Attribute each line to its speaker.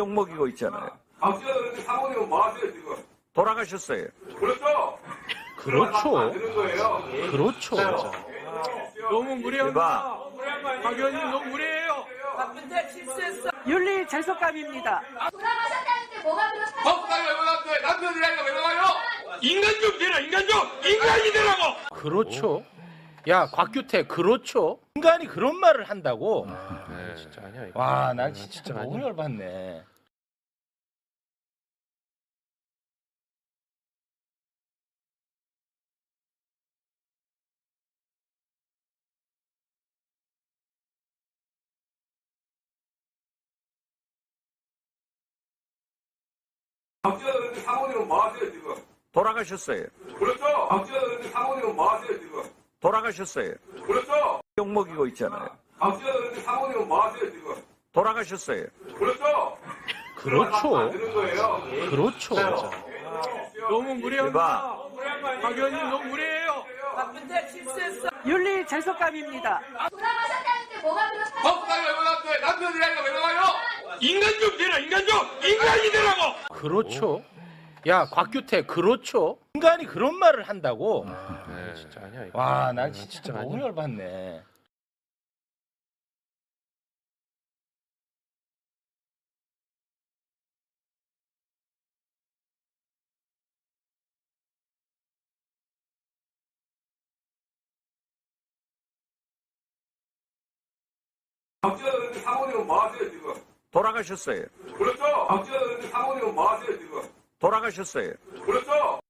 Speaker 1: 욕먹이고 있잖아요.
Speaker 2: 박지원 의원님 사모님은 뭐 하세요, 지금?
Speaker 1: 돌아가셨어요.
Speaker 2: 그렇죠?
Speaker 3: 그렇죠.
Speaker 2: 되는 거예요.
Speaker 3: 그렇죠.
Speaker 4: 너무 무례합니다.
Speaker 1: 이봐.
Speaker 4: 박 의원님 너무 무례해요.
Speaker 5: 윤리 재속감입니다.
Speaker 6: 돌아가셨다는 게 뭐가 그렇다는
Speaker 2: 법당이 왜 나왔어요? 남편이라니까 왜 나와요?
Speaker 4: 인간 좀 되라, 인간 좀! 인간이 되라고!
Speaker 3: 그렇죠. 야, 곽규태, 그렇죠. 인간이 그런 말을 한다고?
Speaker 7: 진짜 아니야 이거.
Speaker 3: 와, 난 진짜
Speaker 7: 진짜
Speaker 3: 너무
Speaker 7: 아니야.
Speaker 3: 열받네.
Speaker 2: 박지원 의원님 사모님은 뭐 하세요, 지금?
Speaker 1: 돌아가셨어요.
Speaker 2: 그렇죠? 박지원 의원님 사모님은 뭐 하세요, 지금?
Speaker 1: 돌아가셨어요.
Speaker 2: 그렇죠?
Speaker 1: 욕먹이고 있잖아요.
Speaker 2: 박지원 의원님 사모님은 뭐 하세요, 지금?
Speaker 1: 돌아가셨어요.
Speaker 2: 그렇죠?
Speaker 3: 그렇죠.
Speaker 2: 되는 거예요.
Speaker 3: 그렇죠.
Speaker 4: 너무 무례합니다.
Speaker 1: 이봐.
Speaker 4: 박 의원님 너무 무례해요.
Speaker 5: 윤리 재속감입니다.
Speaker 6: 돌아가셨다는 게 뭐가 그렇다는
Speaker 2: 법당이 왜 나왔어요? 남편이라니까 왜 나와요?
Speaker 4: 인간 좀 되라, 인간 좀! 인간이 되라고!
Speaker 3: 그렇죠. 야, 곽규태, 그렇죠. 인간이 그런 말을 한다고?
Speaker 7: 진짜 아니야 이거.
Speaker 3: 와, 난 진짜
Speaker 7: 진짜
Speaker 3: 너무
Speaker 7: 아니야.
Speaker 3: 열받네.
Speaker 2: 박지원 의원님 사모님은 뭐 하세요, 지금?
Speaker 1: 돌아가셨어요.
Speaker 2: 그렇죠? 박지원 의원님 사모님은 뭐 하세요, 지금?
Speaker 1: 돌아가셨어요.
Speaker 2: 그렇죠?